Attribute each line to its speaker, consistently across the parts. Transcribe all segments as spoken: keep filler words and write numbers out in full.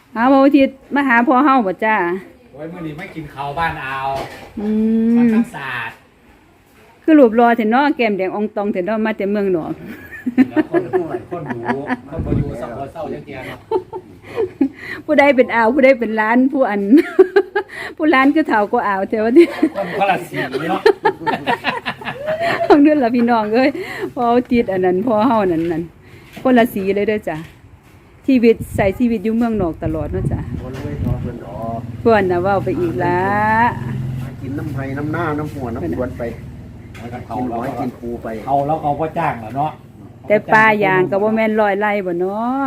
Speaker 1: เอาวันอาทิตย์มาหาพ่อเฮาบ่จ้า
Speaker 2: โอ้ยมื้อนี้ไม่กินข้าวบ้านเอา
Speaker 1: อื
Speaker 2: มัน
Speaker 1: ม
Speaker 2: ทั้งศาสตร์
Speaker 1: คือรูปรอเถอะเนาะแก้มแดงอองตองเถอะเนาะมาแต่เมืองนอก
Speaker 2: แล้วคนรู้คนรู้คนบ่อยู่สักบ่เศร้าจังเที่ยเนาะ
Speaker 1: ผู้ใดเป็นอ่าวผู้ใดเป็นล้านผู้อัน ผู้ล้านก็เฒ่าก็อ่าวแต่ว่านี่
Speaker 2: คนคนละสีเนาะ
Speaker 1: ของเดือนละพี่น้องเอ้ยพอติดอันนั้นพอเฮานั่นนั่นคนละสีเลยเด้อจ้ะชีวิตใส่ชีวิตอยู่เมืองนอกตลอดเนาะจ้ะ
Speaker 3: คนเลยนอนเพิ่นออก
Speaker 1: เพิ่นน่ะเว้าไปอีกละ
Speaker 3: กินน้ำไผ่น้ำหน้าน้ำหัวน้ำสวนไปกินหอยกินปูไป
Speaker 2: เอาแล้วเขาก็จ้างแล้วเนาะ
Speaker 1: แต่ปลาอย่างก็บ่แม่นร้อยไร่บ่เนาะ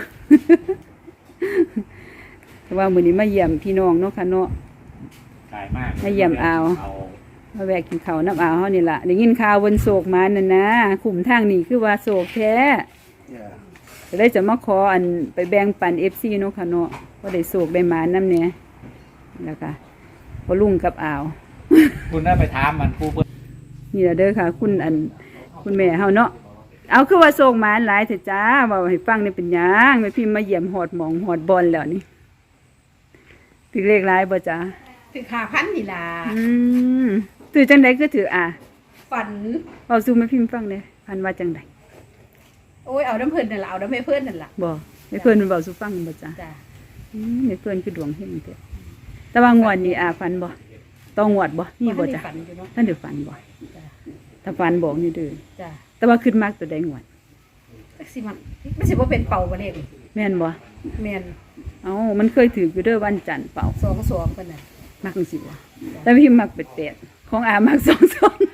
Speaker 1: แต่ว่ามื้อนี้มาเยี่ยมพี่น้องเนาะค่ะเนาะ
Speaker 2: กายมาก
Speaker 1: มาเยี่ยมอาวมาแวะกินข้าวน้ำอาวเฮานี่ล่ะได้ยินข่าวบนโศกมานั่นนะขุมทางนี้คือว่าโศกแท้ก็เลยจะมาขออันไปแบ่งปัน เอฟ ซี เนาะค่ะเนาะบ่ได้โศกได้หมานำแหน่แล้วก็บ่ลุงกับอาว
Speaker 2: คุณได้ไปถามมันผู้เพิ่น
Speaker 1: นี่ล่ะเด้อค่ะคุณอันคุณแม่เฮาเนาะเอาคือว่าโศกหมานหลายเถอะจ้าเว้าให้ฟังนี่เป็นหยังแม่พิมพ์มาเยี่ยมฮอดหมองฮอดบอลแล้วนี่ถือเลขหลายบ่จ้า
Speaker 4: ถือขาพันนี่ล่ะ
Speaker 1: อืมถือจังได๋ก็ถืออ่ะ
Speaker 4: ฝัน
Speaker 1: เว้าสู่แม่พิมพ์ฟังเด้พันว่าจังได๋
Speaker 4: โอ้ยเอาน้ำเพิ่นนั่นล่ะเอาน้ำแม่เพิ่นนั่นล่ะ
Speaker 1: บ่แม่เพิ่นมันเว้าสู่ฟังบ่จ้า
Speaker 4: จ้ะ
Speaker 1: อืมแม่เพิ่นคือดวงเฮงแท้แต่ว่างวดนี้อ่ะฝันบ่ต้องงวดบ่มีบ่จ้ะท่านได้ฝันบ่ถ้าฝันบอกนี่เด้อ
Speaker 4: จ้ะ
Speaker 1: แต่ว่าขึ้นมากตัวใดงวด
Speaker 4: จักสิมันมันสิบ่เป็นเป่าบ่เลข
Speaker 1: แม่นบ่
Speaker 4: แม่น
Speaker 1: เอ้ามันเคยถืออยู่เด้อวันจันทร์เป่า
Speaker 4: สองสองเพิ่นน่ะ
Speaker 1: มักจังซี่บ่แต่พี่มักเป็ดๆของอามักสองสอง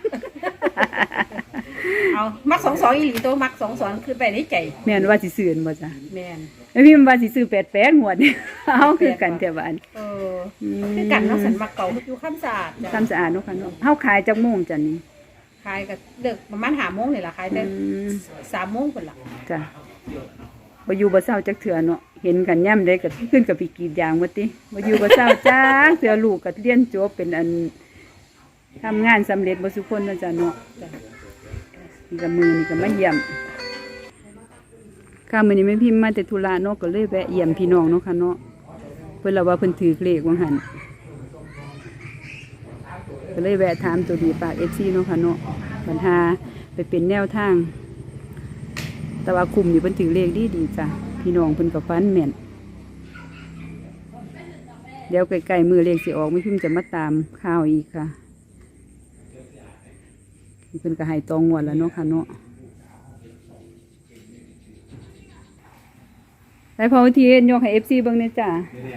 Speaker 4: เอามักสองสองอีหลีโตมักสองสองคือไปในใจ
Speaker 1: แม่นว่าสิซื้อบ่จ้ะ
Speaker 4: แม่น
Speaker 1: แม่พี่ว่าสิซื้อแปดแปดงวดนี่เฮาคือกันแท้บ้าน
Speaker 4: เออคือกันเนาะสันมักเก่าอยู่คำสะอาด
Speaker 1: จ้ะคำสะอาดเนาะค่ะเนาะเฮาขายจักโมงจ้ะนี่
Speaker 4: ขายก็เลิกประมาณห้าโมงนี่ล่ะขายแต่สามโมงพุ่นล่ะ
Speaker 1: จ้ะบ่อยู่บ่เช้าจักเทื่อเนาะเห็นกันย่ำได้ก็ขึ้นกับพี่กรีดยางว่าติบ่อยู่บ่เช้าจักเทื่อลูกก็เรียนจบเป็นอันทำงานสำเร็จบ่ทุกคนเนาะจ้ะเนาะนี่ก็มือนี่ก็มาเยี่ยมค่ะมื้อนี้แม่พิมพ์มาแต่ธุระเนาะก็เลยแวะเยี่ยมพี่น้องเนาะค่ะเนาะเพิ่นละว่าเพิ่นถือเลขว่าหั่นก็เลยแวะถามตัวดีปาก เอฟ ซี เนาะค่ะเนาะปัญหาไปเป็นแนวทางแต่ว่าคุมนี่เพิ่นถือเลขดีดีจ้ะพี่น้องเพิ่นก็ฟันแม่นเดี๋ยวใกล้ๆมือเลขสิออกไม่พิมพ์จะมาตามข่าวอีกค่ะเพิ่นก็ให้ตองงวดแล้วเนาะค่ะเนาะไปพอทียกให้ เอฟ ซี เบิ่งแน่จ้ะ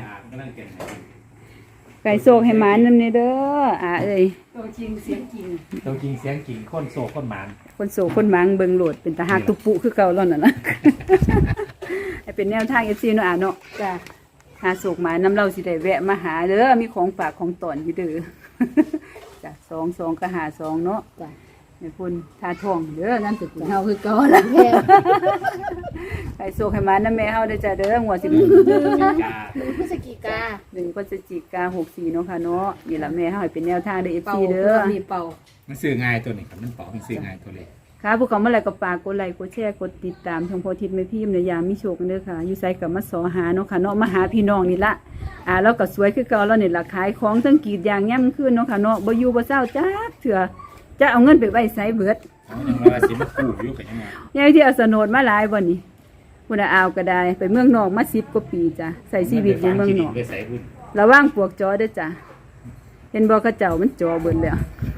Speaker 1: ไก่โศกให้หมานนำเนเด้ออ่าเอ้ย
Speaker 4: ตัวจริงเสียงจริง
Speaker 2: ตัวจริงเสียงจริงคนโศกคนหมาน
Speaker 1: คนโศกคนหมางเบิ่งโหลดเป็นตาหักตุปุคือเก่าแล้วนั่นล่ะให้เป็นแนวทาง เอฟ ซี เนาะอ่ะเนาะจ้ะหาโศกหมานำเราสิได้แวะมาหาเด้อมีของฝากของตอนอยู่เด้อจ้ะสอง สองก็หาสองเนาะจ้ะแม่คุณทาทองเด้อนั่นสุดเฮาคือเก่าล่ะแม่ไก่โศกให้หมานำแม่เฮาได้จ้ะเด้อหัวสิบหนึ่ง
Speaker 4: พฤศจิกา
Speaker 1: หนึ่งพฤศจิกาหกสี่เนาะค่ะเนาะนี่ล่ะแม่เฮาให้เป็นแนวทางเด้อ เอฟ ซี เด้อ
Speaker 4: มีเป่า
Speaker 2: มันซื้อง่ายตัวนี้ครับมันเป่ามันซื้อง่ายตัวเลย
Speaker 1: ค่ะพวกเขาเมื่อไหร่ก็ฝากกดไลค์กดแชร์กดติดตามช่องโพธิตแม่พิมพ์ในยามมีโชคกันเด้อค่ะอยู่ไสกับมาสอหาเนาะค่ะเนาะมาหาพี่น้องนี่ละอ่าแล้วก็สวยคือเก่าแล้วนี่ล่ะขายของทั้งกรีดยางย่ำขึ้นเนาะค่ะเนาะบ่อยู่บ่เศร้าจักเถื่อจะเอาเงินไปไว้ไสเบิด
Speaker 2: ยังว่าสิมากู้อยู่กันยังไง
Speaker 1: ยายที่เอาสนดมาหลายบ่นี่พุ่นน่ะเอาก็ได้ไปเมืองนอกมาสิบกว่าปีจ้ะใส่ชีวิตอยู่เมืองนอกระวังพวกจอเด้อจ้ะเห็นบ่เขาเจ้ามันจอเบิดแล้ว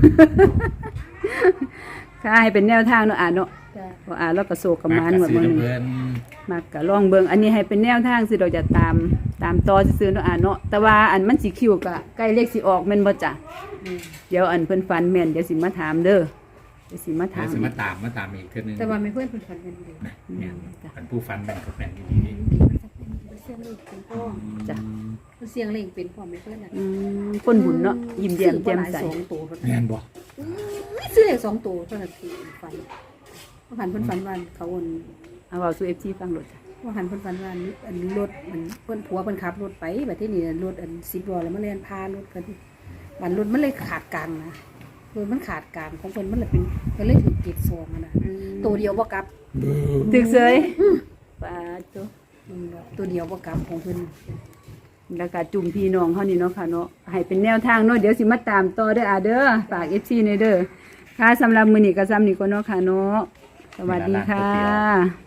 Speaker 1: ค่ะให้เป็นแนวทางเนาะอ่านเนาะพออ่านแล้วก็โศกกับมานหมดมื้อนี้มักก็ลองเบิ่งอันนี้ให้เป็นแนวทางสิเราจะตามตามต่อซื่อๆเนาะอ่านเนาะแต่ว่าอันมันสิคิวก็ใกล้เลขสิออกแม่นบ่จ้ะเดี๋ยวอันเพิ่นฝันแม่นเดี๋ยวสิมาถามเด้อเดี๋ยวสิมาถาม
Speaker 2: เดี๋ยวสิมาตามมาตามอีกเทื่อนึง
Speaker 4: แต่ว่าไม่เพิ่นเพิ่นฝันแม่นดี
Speaker 2: แม่นเป็นผู้ฝันแม่นกับแม่นดี
Speaker 4: เสียงเลขเป็นพ่อจ้ะเสียงเลขเป็นพ่อไม่เพิ่นน่ะ
Speaker 1: อืมคนบุญเนาะยิ้มแย้มแจ่มใส
Speaker 2: แม่นบ่
Speaker 4: ซื้อเลขสองตัวเท่านั้นคือฝันว่าหันเพิ่นฝันว่าเขาวน
Speaker 1: เอาเว้าสู่ เอฟ ซี ฟังโลดจ้ะ
Speaker 4: ว่าหันเพิ่นฝันว่าอันรถมันเพิ่นผัวเพิ่นขับรถไปบัดทีนี้รถอันสิบล้อแล้วมาแล่นพารถกันบัดรถมันเลยขาดกลางนะรถมันขาดกลางของเพิ่นมันเลยเป็นก็เลยถูกเก็บซองนะตัวเดียวบ่กลับ
Speaker 1: ตึกเสยปาโต
Speaker 4: อืมตัวเดียวบ่กลับของเพิ่น
Speaker 1: แล้วก็จุ่มพี่น้องเฮานี่เนาะค่ะเนาะให้เป็นแนวทางเนาะเดี๋ยวสิมาตามต่อเด้ออาเด้อฝาก เอฟ ซี ในเด้อค่ะสำหรับมื้อนี้ก็ซ้ำนี้ก่อนเนาะค่ะเนาะสวัสดีค่ะ